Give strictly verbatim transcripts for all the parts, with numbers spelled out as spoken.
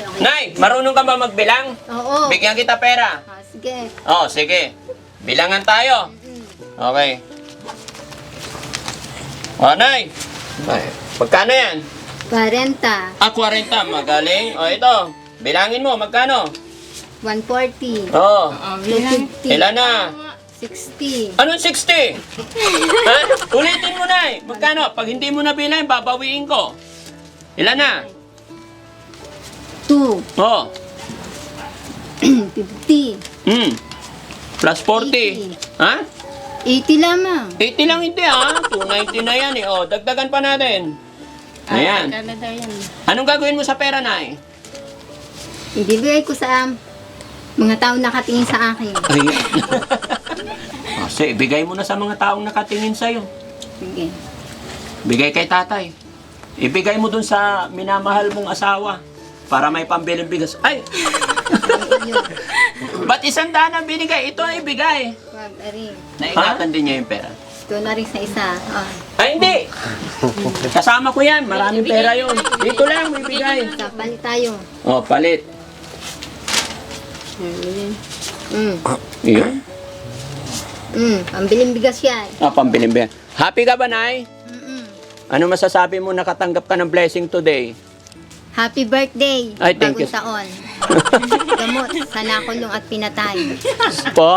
Nay, marunong ka ba magbilang? Oo. Bigyan kita pera. Ah, sige. Oh, sige. Bilangan tayo. Okay. Oh, Nay. Ay, magkano yan? forty. Ah, forty. Magaling. Oh, ito. Bilangin mo, magkano? one forty. Oh. two fifty. Ilan na? sixty. Anong sixty? Ha? Ulitin mo, Nay. Magkano? Pag hindi mo na bilang, babawiin ko. Ilan na? two. Oh. fifty. Hmm. Plus forty. eighty. Ha? eighty lamang. eighty lang hindi ha. two ninety na yan eh. O, dagdagan pa natin. Ayan. Anong gagawin mo sa pera, Nay? Ibibigay ko sa um, mga taong nakatingin sa akin. Ayan. Kasi, ibigay mo na sa mga taong nakatingin sa'yo. Sige. Bigay kay tatay. Ibigay mo dun sa minamahal mong asawa para may pambiling bigas. Ay! Ayun. Ba't isang daan ang binigay? Ito ang ibigay. Wag, ari. Naingatan din niya yung pera. Ito na rin sa isa. Oh. Ay, hindi! Kasama ko yan. Maraming pera yun. Dito lang, may bigay. Kapalit tayo. O, palit. Mm. Iyon. Mm. Pambiling bigas yan. Ah, pambiling bigas. Happy ka ba, Nay? Mm-mm. Ano masasabi mo nakatanggap ka ng blessing today? Happy birthday. Ay, thank Bagong you. taon. Gamot sa nakulong at pinatay. Po?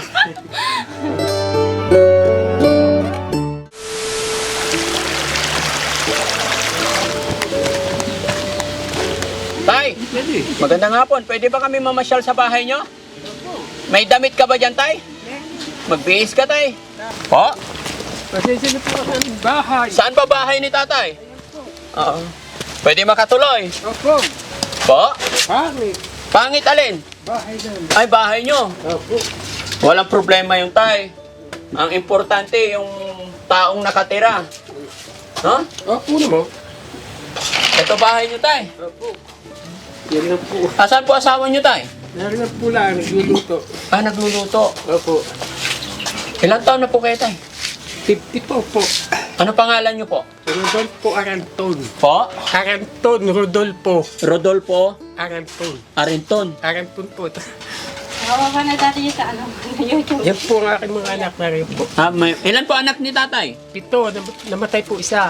Tay, magandang hapon. Pwede ba kami mamasyal sa bahay nyo? May damit ka ba dyan, Tay? Magbihis ka, Tay. Po? Pasensya na po sa bahay. Saan ba bahay ni Tatay? Oo. Pwede makatuloy. Opo. Po? Pangit. Pangit alin? Bahay na. Ay, bahay nyo. Opo. Walang problema yung Tay. Ang importante, yung taong nakatira. No? Opo naman. Ito bahay nyo, Tay. Opo. Yan lang po. Asan po asawa nyo, Tay? Yan lang po lang. Nagluluto. Ah, nagluluto. Opo. Ilang taon na po kayo, Tay? fifty po po. Ano pangalan nyo po? Rodolfo Aranton. Po? Aranton. Rodolfo. Rodolfo Aranton. Arinton. Aranton po. Hawa ka na dati sa ano, YouTube. Yan po ang aking mga anak na rin po. Ah, may, ilan po anak ni Tatay? Pito. nam- Namatay po isa.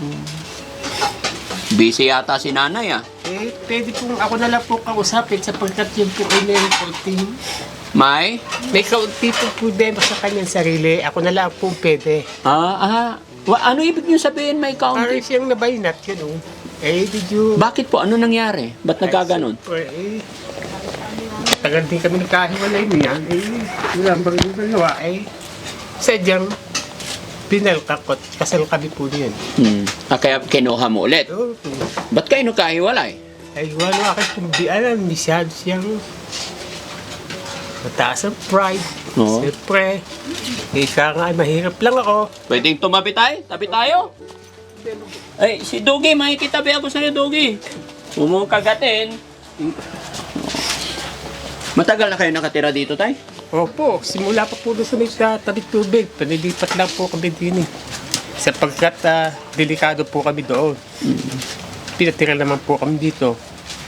Busy yata si nanay, ah. Eh, pwede po ako na lang po kausapin sapagkat yun po ay meron po team. May? May kaunti po problema sa kanyang sarili. Ako na lang po pwede. Ah, ah. Wa, ano ibig nyo sabihin may Parang kaunti? siyang nabaynat, yun o. Eh, did you... Bakit po? Ano nangyari? Ba't nagkaganon? Eh, tagal din kami nagkahiwalay niyan. Eh, wala bang nagawa eh. Sadyang, pinalkakot. Kasal kami po niyan. Hmm. Ah, kaya kinuha mo ulit. Oh, Ba't kayo nagkahiwalay? ay, wala aking kung di alam. Masyado siyang mataas ang pride. Oo. Siyempre, eh, siya nga, ay mahirap lang ako. Pwedeng tumabi tayo? Tabi tayo? Ay, si Dugi, makikitabi ako sa'yo, Dugi. Huwag mo kagatin. Matagal na kayo nakatira dito, Tay? Opo, simula pa po doon sa may sa tabi tubig. Panilipat lang po kami din eh. Sapagkat ah, delikado po kami doon. Pinatira naman po kami dito.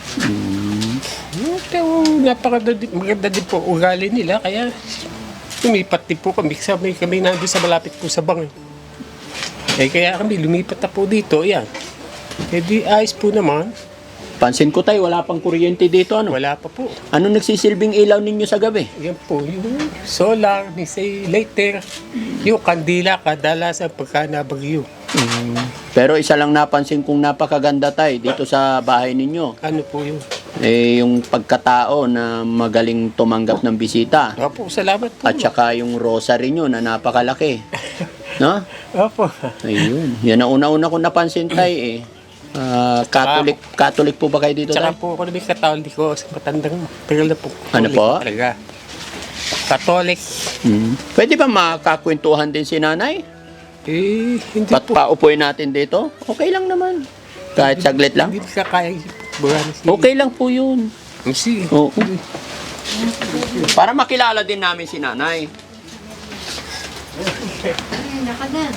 Ito, napakaganda din, maganda din po ugali nila. Kaya lumipat din po kami. Kami, kami nandun sa malapit po sa bang. Eh kaya kami lumipat na po dito. Yan. Eh di ayos po naman. Pansin ko, Tay, wala pang kuryente dito, ano? Wala pa po. Ano nagsisilbing ilaw ninyo sa gabi? Yan po, yung solar, ni say later, yung kandila kadalasan pagka nabagyo. Pero isa lang napansin kong napakaganda, Tay, dito sa bahay ninyo. Ano po yun? Eh, yung pagkatao na magaling tumanggap ng bisita. Opo, salamat po. At saka yung rosary nyo na napakalaki. No? Opo. Ayun. Yan ang una-una ko napansin, Tay, eh. Ah, Catholic, Catholic po ba kayo dito, Tsaka Tay? po ako namin katolik ko sa matandang tagal na po. Ano Katolik po? Talaga. Katolik. Hmm. Pwede ba makakwentuhan din si nanay? Eh, hindi Pat po. paupuin natin dito? Okay lang naman. Kahit saglit lang? Hindi ka kaya. Buwan si... Okay lang po yun. Si. Oo. Para makilala din namin si nanay. Ayun, nakagan.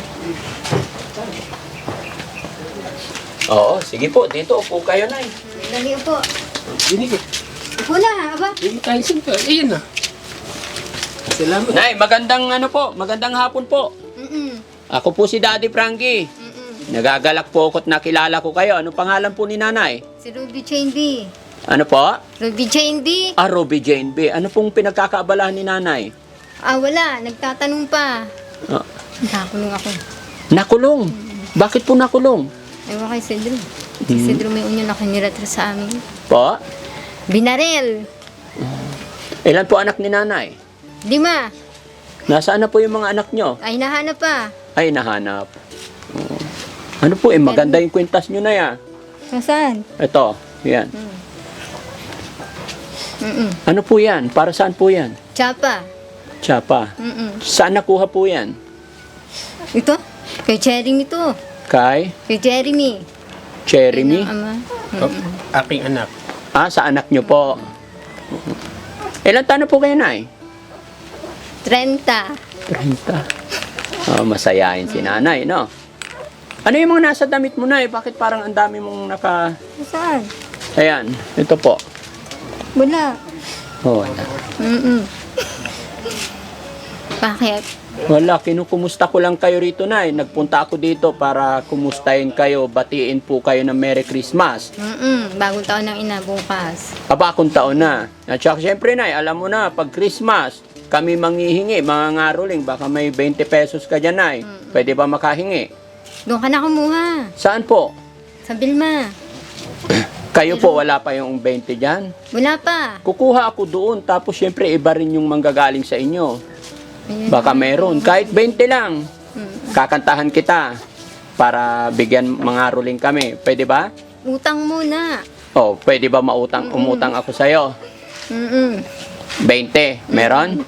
Oo, sige po. Dito, upo kayo, Nay. Lagi po. Binigay. Wala, aba. Hindi tayo sinto. Ayan na. Salamat. Nay, magandang ano po, magandang hapon po. Mm-mm. Ako po si Daddy Frankie. Mm-mm. Nagagalak po ako at nakilala ko kayo. Anong pangalan po ni nanay? Si Ruby Jane B. Ano po? Ruby Jane B. Ah, Ruby Jane B. Ano pong pinagkakaabalahan ni nanay? Ah, wala. Nagtatanong pa. Ah, Nakakulong ako. nakulong. Bakit po nakulong? Ewan kay Cedro. Si Cedro may unyo na kiniratra sa amin. Po? Binarel. Ilan po anak ni nanay? Lima. Nasaan na po yung mga anak nyo? Ay, nahanap pa. Ay, nahanap. Oo. Ano po eh, maganda yung kwintas nyo na yan. Nasaan? Ito, yan. Mm-mm. Ano po yan? Para saan po yan? Tsapa. Tsapa. Mm-mm. Saan nakuha po yan? Ito? Kay Jeremy to. Kay Kay Jeremy. Jeremy? Ang ama. Oh, aking anak. Ah, sa anak nyo po. Ilan taon na po kayo, Nay? Trenta. trenta. Oh, masayahin si nanay, no? Ano yung mga nasa damit mo, Nay? Bakit parang ang dami mong naka... Saan? Ayan, ito po. Wala. Oh, wala. Mm-mm. Bakit? Wala, kinukumusta ko lang kayo rito, Nay. Nagpunta ako dito para kumustahin kayo, batiin po kayo ng Merry Christmas. Mm-mm. Bagong taon ng ina bukas. Aba, akong taon na. At saka, syempre, Nay, alam mo na, pag Christmas, kami manghihingi, mga ngaruling, baka may twenty pesos ka dyan, Nay. Pwede ba makahingi? Doon ka na kumuha. Saan po? Sa Bilma. Kayo po, wala pa yung twenty dyan? Wala pa. Kukuha ako doon, tapos syempre, iba rin yung manggagaling sa inyo. Ayun. Baka meron. Kahit twenty lang. Mm. Kakantahan kita para bigyan mga ruling kami. Pwede ba? Utang muna. Oh, pwede ba mautang, umutang ako sa'yo? Mm-mm. twenty. Meron?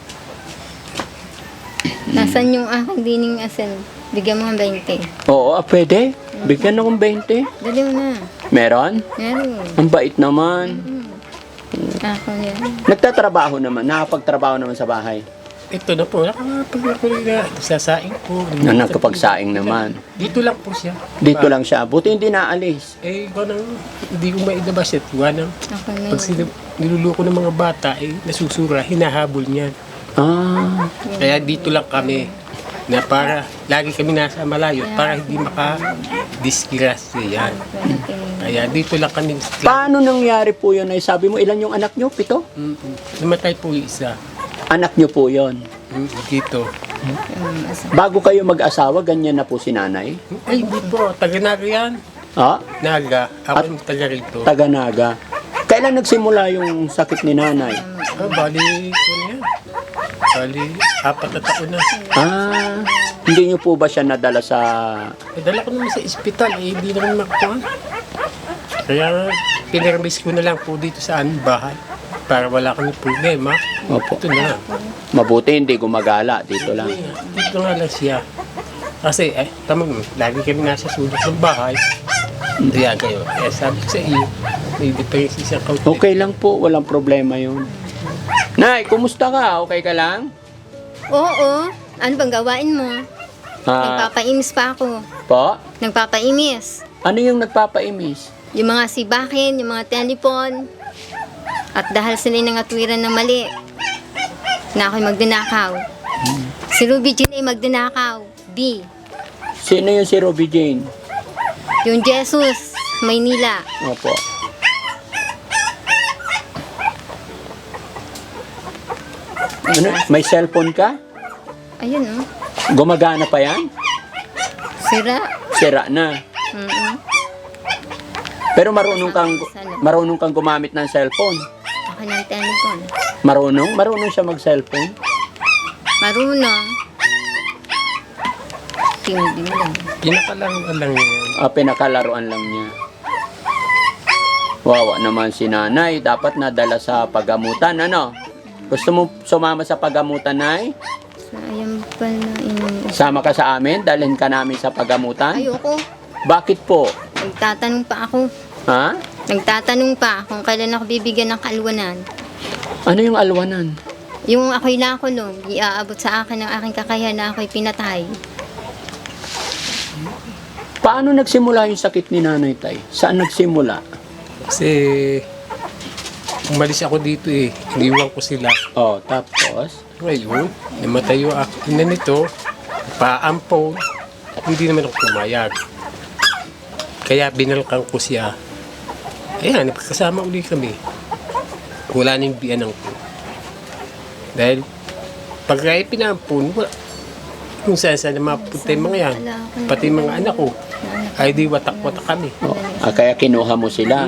Nasaan yung aking dining asin? Bigyan mo ng twenty. Oo, ah, pwede. Bigyan akong twenty. Dali mo na. Meron? Meron. Ang bait naman. Ako yan. Nagtatrabaho naman. Nakapagtrabaho naman sa bahay. Ito na po. Nakapagpapaliga. Sasaing po. Na nakapagsaing naman. Dito lang po siya. Dito lang siya. Buti hindi naalis. Eh, ikaw nang hindi ko mailabas ito. Ganang, Ako na pag yun. sila, niluluko ng mga bata, eh, nasusura, hinahabol niyan. Ah, Kaya dito lang kami. Na para, lagi kami nasa malayo, para hindi maka-disgrasya yan. Kaya dito lang kami. paano nangyari po yun? Ay, sabi mo, ilan yung anak nyo? Pito? Mm-mm. Namatay po yung isa. Anak nyo po yon. Mm, Dito. Bago kayo mag-asawa, ganyan na po si nanay? Ay, hindi po. Taga-naga yan. Ha? Naga. Ako yung taga rito. Taga-naga. Kailan nagsimula yung sakit ni nanay? Ah, bali ko na yan. Bali, apat na taon na. Ah, hindi nyo po ba siya nadala sa... Eh, dala ko naman sa ospital, eh, hindi naman makuha. Kaya, pinirmis ko na lang po dito sa aming bahay. Para wala kami problema. Opo. Ito na. Mabuti hindi gumagala. Dito lang. Eh, Dito nga lang siya. Kasi, eh, tama mo, lagi kami nasa sulok ng bahay. Kaya kayo, eh, sabi ko sa iyo, may depensi sa kaunti. Okay lang po. Walang problema yun. Nay, kumusta ka? Okay ka lang? Oo. Ano bang gawain mo? Ah, Nagpapainis pa ako. po? Nagpapainis. Ano yung nagpapaimis? Yung mga sibakin, yung mga telepon. At dahil sila nangatwiran ng mali, na ako'y magdinakaw. Si Ruby Jean ay magdinakaw. B. Sino yung si Ruby Jane? Yung Jesus, Maynila. Opo. Ano? May cellphone ka? Ayun oh. Gumagana pa yan? Sira. Sira na. Mm-mm. Pero marunong kang marunong kang gumamit ng cellphone. Ako ng telepon. Marunong? Marunong siya mag-cellphone? Marunong. Tindi mo lang. Pinakalang lang yan. Ah, pinakalaruan lang niya. Wawa naman si nanay. Dapat nadala sa pagamutan, ano? Gusto mo sumama sa pagamutan, Nay? Sayang pala inong... Sama ka sa amin? Dalhin ka namin sa pagamutan? Ayoko. Bakit po? Nagtatanong pa ako. Ha? Nagtatanong pa kung kailan ako bibigyan ng kalwanan. Ano yung alwanan? Yung ako'y nakulong, iaabot sa akin ng aking kakayahan na ako'y pinatay. Paano nagsimula yung sakit ni Nanay Tay? Saan nagsimula? Kasi umalis ako dito eh. Iniwan ko sila. Oh, tapos? Ngayon, namatay yung ako na nito. Paampon. Hindi naman ako pumayag. Kaya binalkan ko siya. Ayan, nagkasama uli kami. Wala na yung biyanang ko. Dahil pag kaya pinampun, wala. Kung saan saan na mapunta yung mga yan. Pati yung mga anak ko. Ay di watak-watak kami. Oh, ah, kaya kinuha mo sila.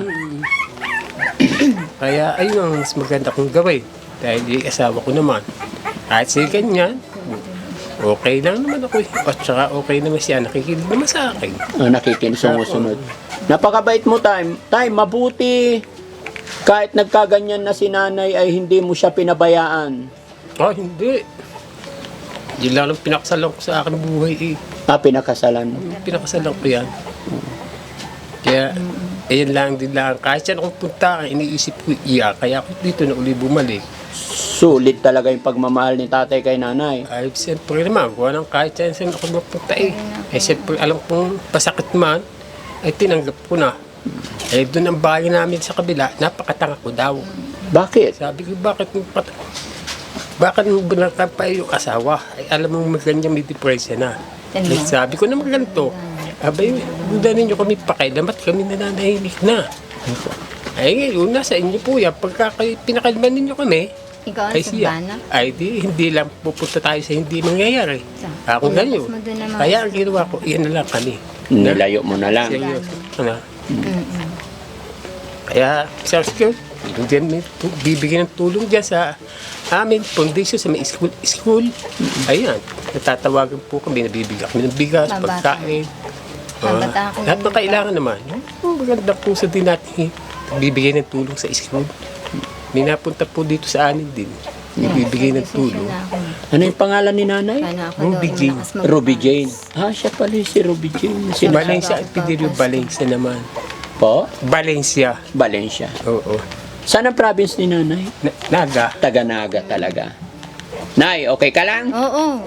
Kaya ayun ang mas maganda kong gawin. Dahil yung asawa ko naman. Kahit siya ganyan, okay lang naman ako eh. At saka okay naman siya. Nakikinig naman sa akin. Oh, nakikin, sumusunod. Napakabait mo, Tay. Tay, mabuti. Kahit nagkaganyan na si nanay ay hindi mo siya pinabayaan. Ah, hindi. Yun lang ang pinakasalan ko sa akin buhay eh. Ah, pinakasalan. Pinakasalan ko yan. Kaya, ayan lang din lang. Kahit saan akong punta, iniisip ko iya. Kaya ako dito na uli bumalik. Sulit talaga yung pagmamahal ni tatay kay nanay. Ay, siyempre naman, gawa ng kahit saan saan ako mapunta eh. Eh, siyempre, alam kong pasakit man, ay tinanggap ko na. Eh, doon ang bahay namin sa kabila, napakatanga ko daw. Bakit? Sabi ko, bakit mo pat... Bakit mo binatang pa yung asawa? Ay, alam mo, maganda may depression na. Ano? Eh, sabi ko naman ganito, abay, buda ninyo kami pakailan, ba't kami nananahimik na? Ay, ngayon, nasa inyo po yan. Pagka kayo- pinakalman ninyo kami, Ikaw ang ay siya. sabana? Ay, di, hindi lang pupunta tayo sa hindi mangyayari. Ako Ilabas ganyan. mo doon naman. Kaya ang ginawa ko, iyan na lang kami. Nilayo mo na lang. Seryoso. Ano? Mm-mm. Kaya, Sir Secure, diyan may tu- bibigyan ng tulong dyan sa amin, foundation sa may school. school. Ayan, natatawagan po kami, nabibigyan kami ng bigas, Mabata. pagkain. Mabata Ah, ako lahat ng ng kailangan naman. Oh, maganda po sa din natin bibigyan ng tulong sa school. May napunta po dito sa amin din. Bibigyan ng tulong. Sana ako. Ano yung pangalan ni nanay? Sana ako Ruby doon, Jane. malakas mag- Ruby Jane. Ah, siya pala yung si Ruby Jane. Si Sino? Valencia at Pidelio Valencia naman. po? Valencia. Valencia. Oo. Saan ang province ni nanay? Na- Naga. Taga-Naga talaga. Nay, okay ka lang? Oo.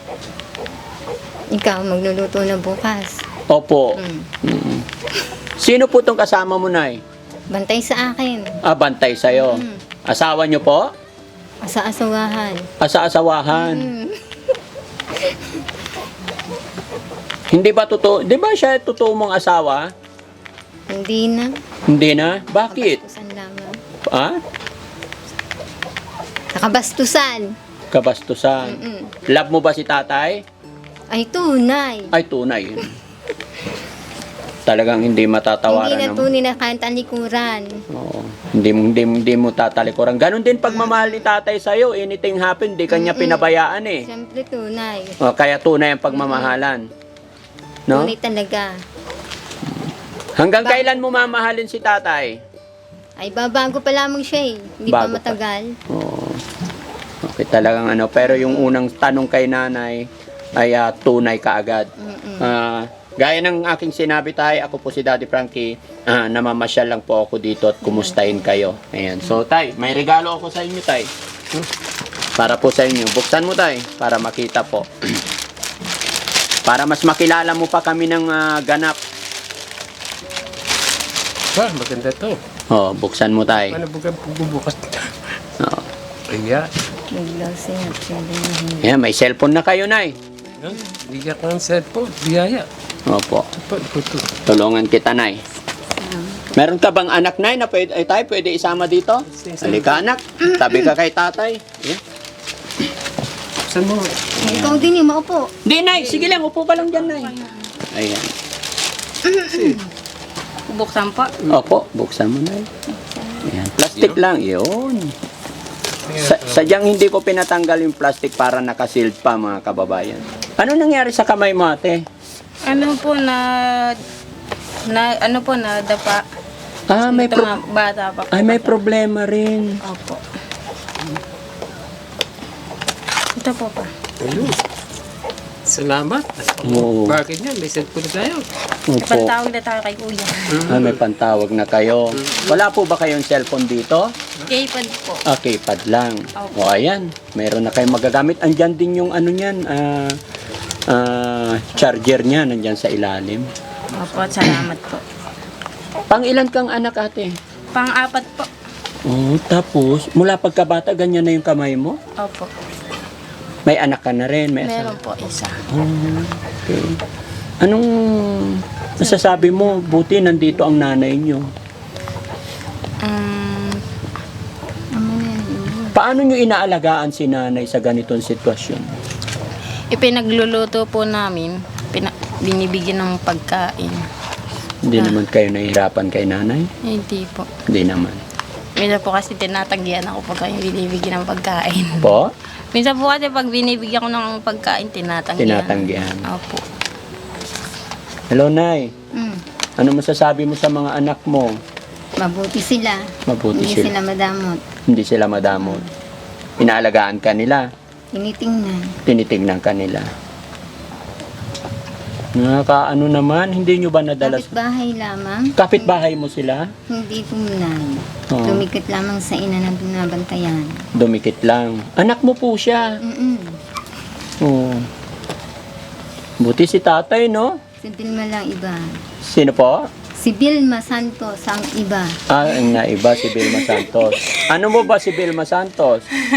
Ikaw, magluluto na bukas. Opo. Mm. Mm. Sino po tong kasama mo, Nay? Bantay sa akin. Ah, bantay sa'yo. Mm. Asawa niyo po? Asa-asawahan. Asa-asawahan. Mm. Hindi ba totoo? Di ba siya totoo mong asawa? Hindi na. Hindi na? Bakit? Kabastusan lamang. Ah? Nakabastusan. Kabastusan. Mm-mm. Love mo ba si tatay? Ay, tunay. Ay, tunay. Talagang hindi matatawaran. Hindi na ng- tunay na kahit talikuran. Oo. Hindi, mo- hindi, mo- hindi mo tatalikuran. Ganon din pagmamahal ni tatay sa'yo. Anything happen, di kanya Mm-mm. pinabayaan eh. Siyempre tunay. O, kaya tunay ang pagmamahalan. No? Tunay talaga. Hanggang Ba- kailan mo mamahalin si tatay? Ay, babago pa lamang siya eh. Hindi pa Bago pa. matagal. Oo. Okay, talagang ano. Pero yung unang tanong kay nanay ay ah, tunay kaagad. Mm-mm. Ah, gaya ng aking sinabi tayo, ako po si Daddy Frankie, ah, namamasyal lang po ako dito at kumustahin kayo. Ayan. So, tay, may regalo ako sa inyo, tay. Hmm. Para po sa inyo. Buksan mo, tay, para makita po. Para mas makilala mo pa kami ng ah, ganap. Ah, maganda to. Oh, buksan mo, tay. Ano bukan bubukas? Oh. Ayan. Biglaw siya. Pwede na hindi. Ayan, may cellphone na kayo, nay. Yan. Bigyan ka ng cellphone. Biyaya. Opo. Ito, ito, ito. Tulungan kita, nay. Meron ka bang anak, nay, na pwede, ay, tayo pwede isama dito? Halika, anak. Tabi ka kay tatay. Ayan. Saan mo? Ikaw din eh, maupo. Hindi, nay. Sige lang. Upo ka lang dyan, nay. Ayan. Buksan po. Opo, buksan mo na. Ayan. Plastic lang. Yun. Sa, sadyang hindi ko pinatanggal yung plastic para nakasealed pa, mga kababayan. Ano nangyari sa kamay mo, ate? Ano po na... na ano po na dapa. Ah, may, Ito pro- mga bata pa po. ay, may problema rin. Opo. Ito po pa. Ayun. Salamat. Oo. Bakit yan? May cellphone na tayo. Opo. Ipantawag na tayo kay kuya. Ah, may pantawag na kayo. Wala po ba kayong cellphone dito? K-pad po. Ah, keypad lang. Opo. O, ayan. Meron na kayong magagamit. Andyan din yung ano niyan, ah, ah, charger niya. Nandyan sa ilalim. Opo, salamat po. Pang ilan kang anak, ate? Pang-apat po. Oh, tapos, mula pagkabata, ganyan na yung kamay mo? Opo. May anak ka na rin, may asawa. Meron po isa. Oh, okay. Anong masasabi mo? Buti nandito ang nanay nyo. Um, Paano nyo inaalagaan si nanay sa ganitong sitwasyon? ipinagluluto po namin. Pina- binibigyan ng pagkain. Hindi Ah. naman kayo nahihirapan kay nanay? Hindi po. Hindi naman. Minsan po kasi tinatanggihan ako pag binibigyan ng pagkain. Po? Minsan po kasi pag binibigyan ko ng pagkain, tinatanggihan. Tinatanggihan. Opo. Hello, Nay. Mm. Ano masasabi mo sa mga anak mo? Mabuti sila. Mabuti Hindi sila. sila madamot. Hindi sila madamot. Inaalagaan ka nila. Tinitingnan. Tinitignan ka nila. Nakakaano naman, hindi nyo ba nadala? Kapit bahay lamang. Kapit-bahay mo sila? Hindi tunay. Oo. Tumikit lamang sa ina na binabantayan. Dumikit lang. Anak mo po siya. Mm-mm. Oo. Buti si tatay, no? Si Vilma lang iba. Sino po? Si Vilma Santos ang iba. Ah, ang naiba si Vilma Santos. Ano mo ba si Vilma Santos?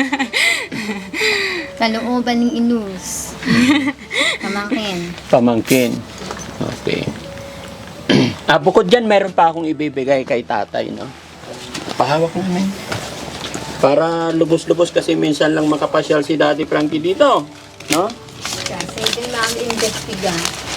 Kalooban ng inus. Pamangkin. Pamangkin. Okay. ah, bukod dyan, meron pa akong ibibigay kay tatay, no? Pahawak namin. Para lubos-lubos kasi minsan lang makapasyal si Daddy Frankie dito. No? Kasi din namin investiga.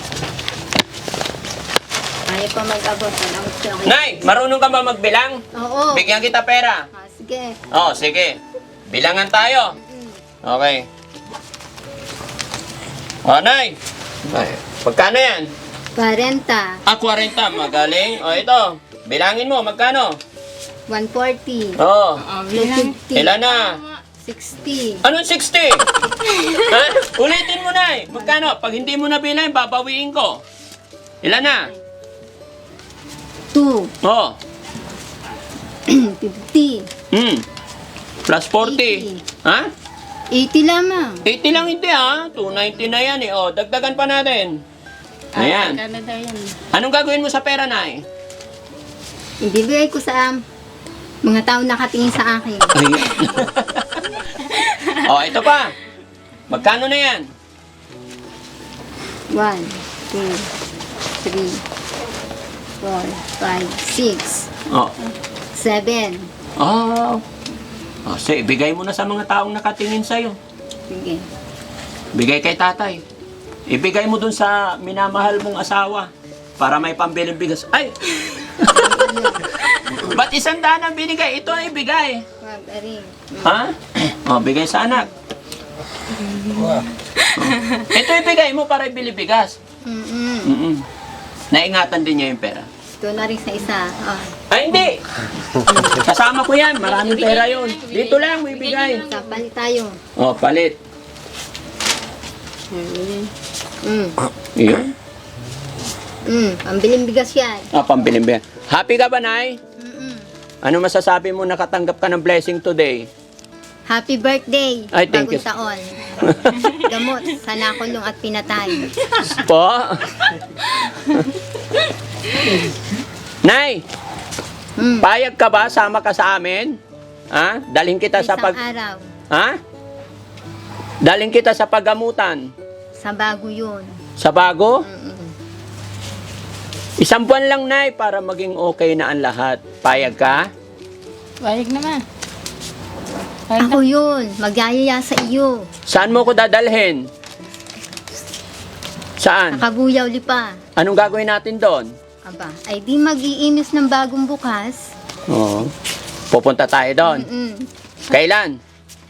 Ayaw pa mag-abot. Ang gusto ko. Nay, marunong ka ba magbilang? Oo. Bigyan kita pera. Ah, sige. Oh, sige. Bilangan tayo. Okay. Oh, Nay. Ay, pagkano yan? Parenta. Ah, forty. Magaling. O, ito. Bilangin mo, magkano? one forty. Oh, two fifty. ilan na? sixty. Anong sixty? Ha? Ulitin mo, Nay. Magkano? Pag hindi mo na bilang, babawiin ko. Ilan na? two. Oh. fifty. Hmm. Plus forty. Ha? eighty lamang. eighty lang hindi ha. two ninety na yan eh. Oh, dagdagan pa natin. Ayan. Ah, Canada yan. Anong gagawin mo sa pera, Nay? Ibibigay ko sa um, mga tao nakatingin sa akin. Ayan. oh, ito pa. Magkano na yan? one, two, three, four, five, six, Oh. seven. Oh. Oh, so, ibigay mo na sa mga taong nakatingin sa'yo. Sige. Bigay kay tatay. Ibigay mo dun sa minamahal mong asawa para may pambiling bigas. Ay! Ba't isang daan ang binigay? Ito ang ibigay. Wag, ari. Ha? Oh, bigay sa anak. Oh. Ito ibigay mo para ibili bigas. Mm-mm. Mm-mm. Naingatan din niya yung pera. Ito na rin sa isa. Oh. Ay, hindi! Kasama ko yan. Maraming pera yun. Dito lang, may bigay. Kapalit tayo. Oh, palit. Mm. Iyon. Mm. Pambiling bigas yan. Ah, pambiling bigas. Happy ka ba, Nay? Mm-mm. Ano masasabi mo nakatanggap ka ng blessing today? Happy birthday. Ay, thank you. Bagong taon. Gamot sa nakulong at pinatay. Po? Nay, Mm. payag ka ba? Sama ka sa amin? Ha? Dalhin kita sa Isang pag... araw. Ha? Dalhin kita sa paggamutan. Sa bago yun. Sa bago? Mm-mm. Isang buwan lang, Nay, para maging okay na ang lahat. Payag ka? Bayag naman. Bayag Ako yun. Magyayaya sa iyo. Saan mo ko dadalhin? Saan? Nakabuyaw lipa. Anong gagawin natin doon? Aba, ay di mag-iinis ng bagong bukas. Oo. Pupunta tayo doon. Mm-mm. Kailan?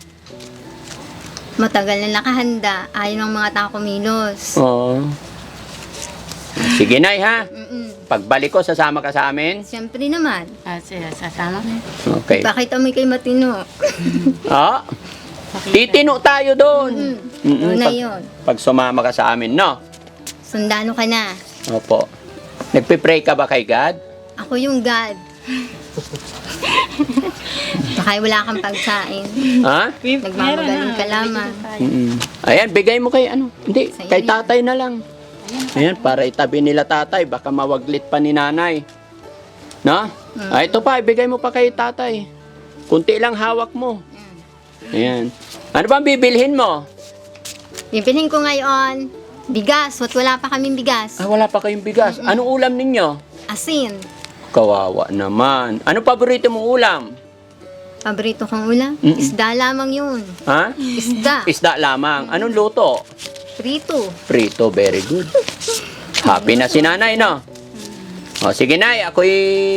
Matagal na nakahanda. Ayaw ng mga tao kumilos. Oo. Sige, Nay, ha? Mm-mm. Pagbalik ko, sasama ka sa amin? Siyempre naman. Ah, siya, sasama ko. Okay. Bakit amoy kay matino? Ah, titino tayo doon. Mm. Mm-mm, Doon na pag, yun. pag sumama ka sa amin, no? Sundalo ka na. Opo. Nagpipray ka ba kay God? Ako yung God. Baka wala kang pagsain. Ha? Nagmamagaling ka lamang. Mm-mm. Ayan, bigay mo kay ano? Hindi, Sa kay iyo yan. tatay na lang. Ayan, para itabi nila tatay. Baka mawaglit pa ni nanay. No? Ah, ito pa, ibigay mo pa kay tatay. Kunti lang hawak mo. Ayan. Ano bang bibilhin mo? Bibilhin ko ngayon, bigas. Wat wala pa kaming bigas. Ah, wala pa kayong bigas. Anong ulam ninyo? Asin. Kawawa naman. Ano paborito mong ulam? Paborito kong ulam? Mm-mm. Isda lamang yun. Ha? Isda. Isda lamang. Anong luto? Prito. Prito, very good. Happy na si nanay, no? O, sige nay, ako'y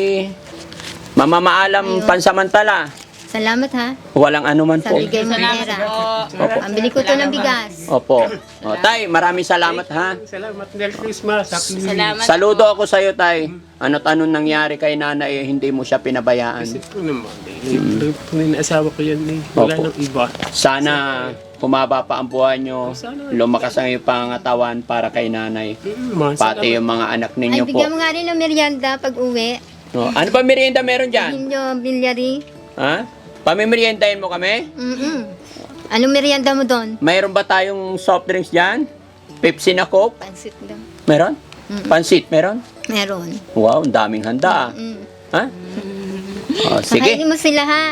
mamamaalam Ayun. pansamantala. Salamat ha. Walang anuman Sa po. bigay mo Salamat pera. po. Opo. Pambili ko to ng bigas. Opo. O, tay, maraming salamat ha. Salamat. Merry Christmas. Happy New Year. Salamat Saludo po. ako sa'yo, tay. Ano't anong nangyari kay nanay, eh, hindi mo siya pinabayaan. Kasi po naman, eh, po na asawa ko yan eh. Wala Opo. nang iba. Sana humaba pa ang buhay nyo, lumakas ang iyong pangatawan para kay nanay. Mm, mga Pati salamat. yung mga anak Ay, ninyo po. bigyan mo nga rin ng merienda pag uwi. No, ano ba merienda meron dyan? Hinyo, bilyari. Ha? Pamimeriendahin mo kami? Mm-mm. Anong merienda mo doon? Mayroon ba tayong soft drinks dyan? Pepsi na Coke? Pansit daw. Meron? Pansit, meron? Meron. Wow, ang daming handa ah. Mm. Ha? Oh, sige. Pakainin mo sila ha.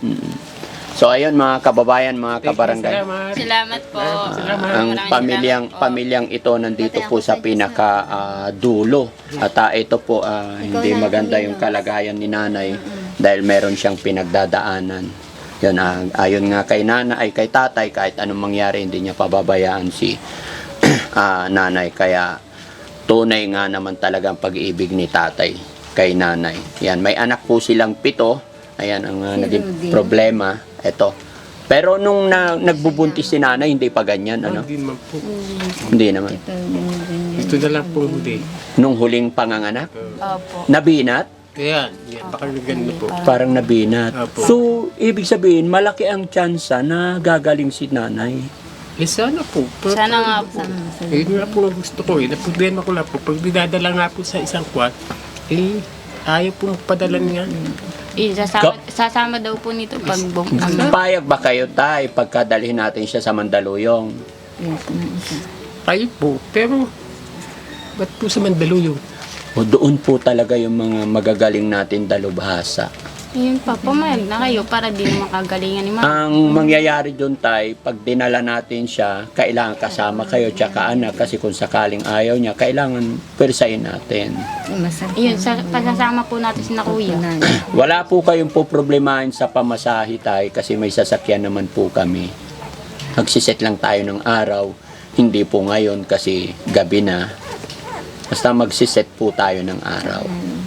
So ayun mga kababayan, mga Thank you, kabarangay. Salamat. Salamat po. Salamat. Ang Maraming pamilyang salamat po. pamilyang ito nandito po sa pinaka ah, dulo. At ah, ito po ah, hindi na, maganda Panginoon. yung kalagayan ni nanay dahil meron siyang pinagdadaanan. Yun, ah, ayon nga kay nanay, ay kay tatay, kahit anong mangyari, hindi niya pababayaan si ah, nanay. Kaya tunay nga naman talaga ang pag-ibig ni tatay kay nanay. Yan, may anak po silang pito. Ayan ang ah, naging problema. Ito. Pero nung na, nagbubuntis si nanay, hindi pa ganyan, ano? Hindi naman po. Hindi naman. Ito na lang po huli. Nung huling panganganak, Opo. nabinat, Ayan. Yan. Baka ganun po. parang nabinat. Opo. So, ibig sabihin, malaki ang tsansa na gagaling si nanay. Eh sana po. Pero- Sana nga po. Eh, yun nga po ang gusto ko eh. Naproblema ko lang po. Pag dinadala nga po sa isang kwat, eh, ayaw po magpadala niya. Eh, sasama, sasama daw po nito pag bum- ano. Payag ba kayo, tay, pagkadalhin natin siya sa Mandaluyong? Ayaw po. Pero, ba't po sa Mandaluyong? O doon po talaga yung mga magagaling natin dalubhasa. Yun pa, pumayag na kayo para di naman kagalingan ni mama. Ang mangyayari doon, tay, pag dinala natin siya, kailangan kasama kayo tsaka anak kasi kung sakaling ayaw niya, kailangan persain natin. Yun, sa, pasasama po natin si na kuya. Wala po kayong po problemahin sa pamasahe, tay, kasi may sasakyan naman po kami. Magsiset lang tayo ng araw, hindi po ngayon kasi gabi na. Basta magsiset po tayo ng araw.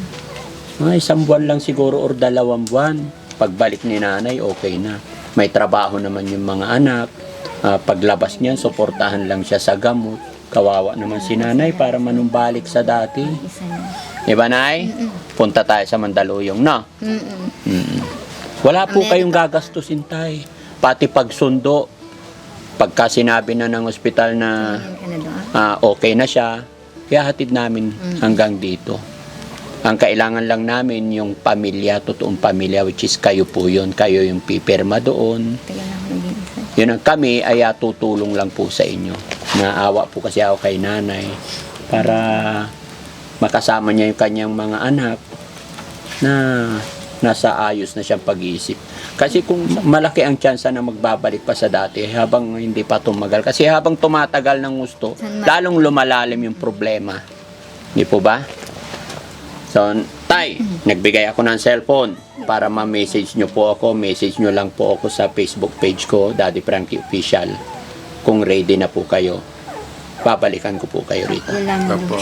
Mga isang buwan lang siguro or dalawang buwan. Pagbalik ni nanay, okay na. May trabaho naman yung mga anak. Ah, paglabas niyan, suportahan lang siya sa gamot. Kawawa naman si nanay para manumbalik sa dati. Diba, nay? Punta tayo sa Mandaluyong, no? Mm-mm. Mm. Wala po kayong gagastusin, tay. Pati pagsundo. Pagka sinabi na ng ospital na Ano doon? ah, okay na siya, ihahatid namin hanggang dito. Ang kailangan lang namin yung pamilya, totoong pamilya, which is kayo po yun. Kayo yung pipirma doon. Tagal na ako nag-iisa. Yun ang kami ay ah, tutulong lang po sa inyo. Naawa po kasi ako kay nanay para makasama niya yung kanyang mga anak na nasa ayos na siyang pag-iisip. Kasi kung malaki ang tsansa na magbabalik pa sa dati habang hindi pa tumagal. Kasi habang tumatagal ng gusto, lalong lumalalim yung problema. Di po ba? So, tay, nagbigay ako ng cellphone para ma-message nyo po ako. Message nyo lang po ako sa Facebook page ko, Daddy Frankie Official. Kung ready na po kayo, babalikan ko po kayo rito. Wala mo Opo.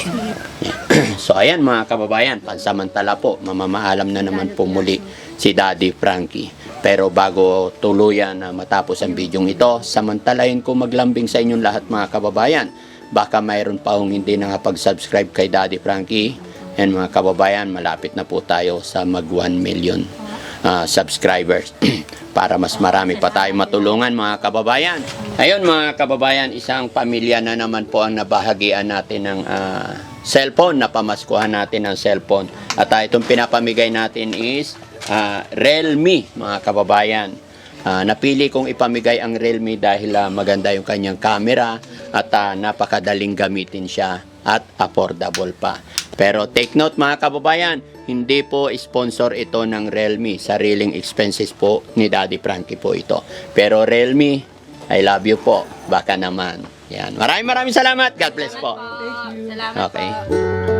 So ayan mga kababayan, pansamantala po, mamamaalam na naman po muli si Daddy Frankie. Pero bago tuluyan na matapos ang bidyong ito, samantalahin ko maglambing sa inyong lahat mga kababayan. Baka mayroon pa hong hindi nakapag-subscribe kay Daddy Frankie. Yan mga kababayan, malapit na po tayo sa mag one million ah, subscribers. Para mas marami pa tayo matulungan mga kababayan. Ayun mga kababayan, isang pamilya na naman po ang nabahagian natin ng ah, cellphone, napamaskuhan natin ng cellphone. At ah, itong pinapamigay natin is ah, Realme mga kababayan. Ah, napili kong ipamigay ang Realme dahil ah, maganda yung kanyang camera at ah, napakadaling gamitin siya at affordable pa. Pero take note mga kababayan, hindi po sponsor ito ng Realme. Sariling expenses po ni Daddy Frankie po ito. Pero Realme, I love you po. Baka naman. Yan. Maraming maraming salamat. God bless po. Salamat Okay. po.